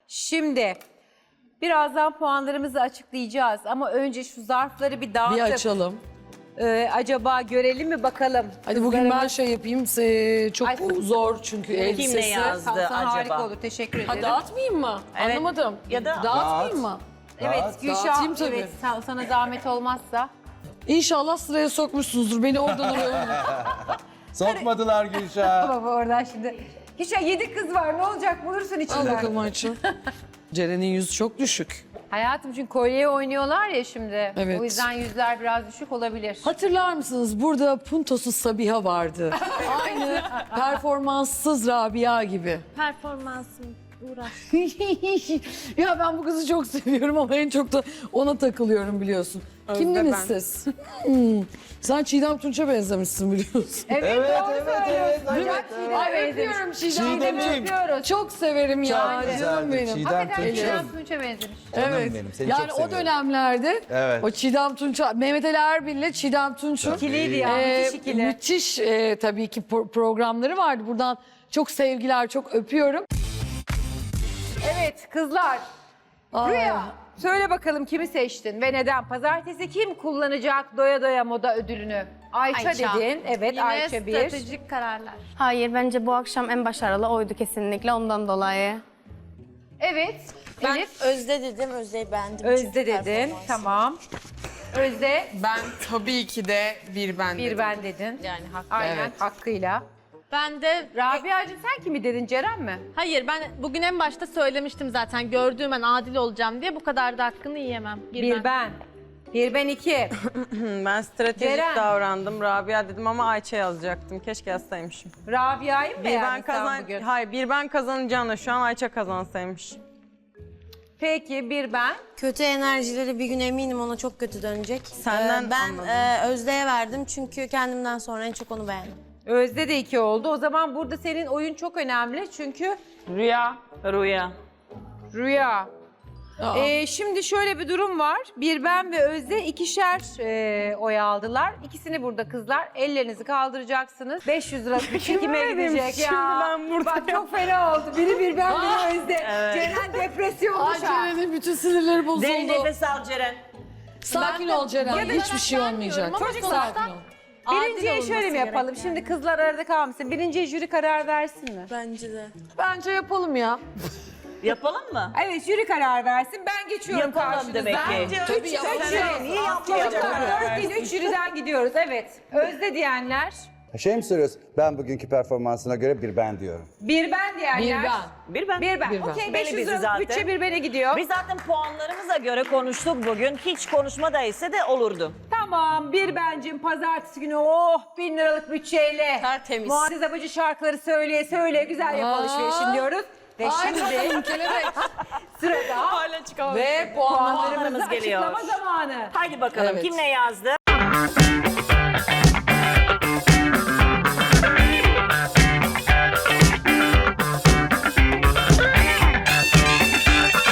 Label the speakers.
Speaker 1: Şimdi birazdan puanlarımızı açıklayacağız ama önce şu zarfları bir
Speaker 2: Bir
Speaker 1: dağıtıp
Speaker 2: açalım.
Speaker 1: acaba görelim mi bakalım?
Speaker 2: Hadi bugün ben
Speaker 1: Kızlarımız-
Speaker 2: şey yapayım. Çok
Speaker 1: Ay,
Speaker 2: zor çünkü elbisesi.
Speaker 3: ne yazdı?
Speaker 1: Sana harika
Speaker 3: acaba?
Speaker 1: olur. Teşekkür ederim.
Speaker 2: Ha dağıtmayayım mı?
Speaker 3: Evet.
Speaker 2: Anlamadım.
Speaker 3: Ya da-
Speaker 2: Dağıtmayayım mı?
Speaker 1: Evet
Speaker 2: Dağıtayım
Speaker 1: Gülşah,
Speaker 2: tabii.
Speaker 1: evet sana zahmet olmazsa.
Speaker 2: İnşallah sıraya sokmuşsunuzdur. Beni oradan oraya.
Speaker 4: Sokmadılar Gülşah.
Speaker 1: Baba oradan şimdi. Gülşah 7 kız var ne olacak bulursun
Speaker 2: Al
Speaker 1: içinden.
Speaker 2: bakalım Ayça. Ceren'in yüzü çok düşük.
Speaker 1: Hayatım çünkü kolyeye oynuyorlar ya şimdi.
Speaker 2: Evet.
Speaker 1: O yüzden yüzler biraz düşük olabilir.
Speaker 2: Hatırlar mısınız? Burada puntosuz Sabiha vardı. Aynı performanssız Rabia gibi.
Speaker 5: Performansım uğraş.
Speaker 2: Ya ben bu kızı çok seviyorum ama en çok da ona takılıyorum biliyorsun. Kimdiniz siz? Sen Çiğdem Tunç'a benzemişsin biliyorsun.
Speaker 1: Evet,
Speaker 4: Evet,
Speaker 1: doğru
Speaker 4: evet,
Speaker 1: söylüyorsun.
Speaker 4: evet,
Speaker 1: Çok
Speaker 4: evet.
Speaker 1: Çiğdem'e
Speaker 2: Ay
Speaker 1: benzemiş.
Speaker 2: öpüyorum Çiğdem'i.
Speaker 4: Çiğdemciğim.
Speaker 1: Öpüyoruz.
Speaker 2: Çok severim ya.
Speaker 4: Çok
Speaker 2: Canım
Speaker 4: güzeldi.
Speaker 2: benim.
Speaker 4: Çiğdem
Speaker 1: Hakikaten
Speaker 4: Tunç'um.
Speaker 1: Çiğdem Tunç'a benzemiş.
Speaker 4: Canım
Speaker 2: Evet.
Speaker 4: benim, seni
Speaker 2: Yani
Speaker 4: çok
Speaker 2: o
Speaker 4: seviyorum.
Speaker 2: dönemlerde
Speaker 4: Evet.
Speaker 2: o Çiğdem Tunç'a, Mehmet Ali Erbil'le Çiğdem Tunç'un
Speaker 1: İkiliydi ya, müthiş ikili.
Speaker 2: müthiş tabii ki programları vardı. Buradan çok sevgiler, çok öpüyorum.
Speaker 1: Evet kızlar.
Speaker 2: Ay.
Speaker 1: Rüya söyle bakalım kimi seçtin ve neden? Pazartesi kim kullanacak doya doya moda ödülünü? Ayça, dedin. Evet
Speaker 5: Yine
Speaker 1: Ayça bir.
Speaker 5: stratejik kararlar.
Speaker 6: Hayır, bence bu akşam en başarılı oydu kesinlikle ondan dolayı.
Speaker 1: Evet.
Speaker 5: Ben
Speaker 1: Elif.
Speaker 5: Özde dedim, Özde'yi beğendim.
Speaker 1: Özde
Speaker 5: Çünkü
Speaker 1: dedin.
Speaker 5: performansı.
Speaker 1: Tamam. Özde
Speaker 7: Ben tabii ki de bir ben
Speaker 1: bir
Speaker 7: dedim.
Speaker 1: ben dedin.
Speaker 5: Yani haklı.
Speaker 1: Aynen
Speaker 2: Evet.
Speaker 1: hakkıyla.
Speaker 5: Ben de
Speaker 1: Rabia'cığım sen kimi dedin? Ceren mi?
Speaker 5: hayır, ben bugün en başta söylemiştim zaten gördüğüm ben adil olacağım diye, bu kadar da hakkını yiyemem.
Speaker 1: Bir ben. Bir ben iki.
Speaker 8: Ben stratejik
Speaker 1: Ceren.
Speaker 8: davrandım. Rabia dedim ama Ayça yazacaktım. Keşke yazsaymışım.
Speaker 1: Rabia'yı mı
Speaker 8: Bir ben
Speaker 1: beğendin sen bugün?
Speaker 8: Hayır, bir ben kazanacağına şu an Ayça kazansaymış.
Speaker 1: Peki bir ben.
Speaker 9: Kötü enerjileri bir gün eminim ona çok kötü dönecek.
Speaker 8: Senden
Speaker 9: Ben
Speaker 8: anladım.
Speaker 9: Özde'ye verdim çünkü kendimden sonra en çok onu beğendim.
Speaker 1: Özde de iki oldu. O zaman burada senin oyun çok önemli çünkü
Speaker 3: Rüya.
Speaker 1: Rüya.
Speaker 2: Aa.
Speaker 1: Şimdi şöyle bir durum var. Bir ben ve Özde ikişer oy aldılar. İkisini burada kızlar. Ellerinizi kaldıracaksınız. 500 lira bir çekime gidecek
Speaker 8: Şimdi
Speaker 1: ya.
Speaker 8: ben burada
Speaker 1: Bak çok fena oldu. Biri ben, biri Özde. Ceren depresyonda
Speaker 2: Ay
Speaker 1: şu an.
Speaker 2: Ceren'in bütün sinirleri bozuldu.
Speaker 3: Derin nefes al Ceren.
Speaker 2: Sakin ol Ceren.
Speaker 5: Ya da
Speaker 2: Hiçbir şey olmayacak.
Speaker 5: ama
Speaker 2: Sakin
Speaker 5: sonuçta-
Speaker 2: ol.
Speaker 1: Birinciye
Speaker 5: Adil
Speaker 1: şöyle mi
Speaker 5: olması
Speaker 1: yapalım?
Speaker 5: gerek
Speaker 1: Şimdi kızlar arada kalmasın. Birinciye jüri karar versin mi?
Speaker 9: Bence de.
Speaker 2: Bence yapalım ya.
Speaker 3: Yapalım mı?
Speaker 1: Evet jüri karar versin. Ben geçiyorum
Speaker 3: Yapalım
Speaker 1: karşınıza.
Speaker 3: demek ki.
Speaker 2: Tabii yapalım.
Speaker 3: Niye yapmayalım?
Speaker 1: Çocuklar 4 değil 3 jüriden gidiyoruz. Evet. Özde diyenler.
Speaker 4: Şey mi söylüyorsun? Ben bugünkü performansına göre bir ben diyorum.
Speaker 1: Bir ben diyenler.
Speaker 2: Bir ben.
Speaker 3: Bir ben.
Speaker 1: Bir ben.
Speaker 2: Bir ben.
Speaker 1: Okey
Speaker 3: Belli bizi
Speaker 1: 500 lira
Speaker 3: zaten.
Speaker 1: bütçe bir bene gidiyor.
Speaker 3: Biz zaten puanlarımıza göre konuştuk bugün. Hiç konuşma da ise de olurdu.
Speaker 1: Tamam bir bencim pazartesi günü 1000 liralık bütçeyle.
Speaker 5: Tertemiz.
Speaker 1: Muazzez Abacı şarkıları söyleye söyleye güzel yap alışverişin diyoruz. Ve
Speaker 2: Ay
Speaker 1: şimdi
Speaker 2: bakalım kelebek.
Speaker 1: sırada
Speaker 2: Ve puanlar.
Speaker 1: puanlarımızı
Speaker 3: geliyor.
Speaker 1: açıklama zamanı.
Speaker 3: Haydi bakalım
Speaker 2: Evet.
Speaker 3: kim ne yazdı?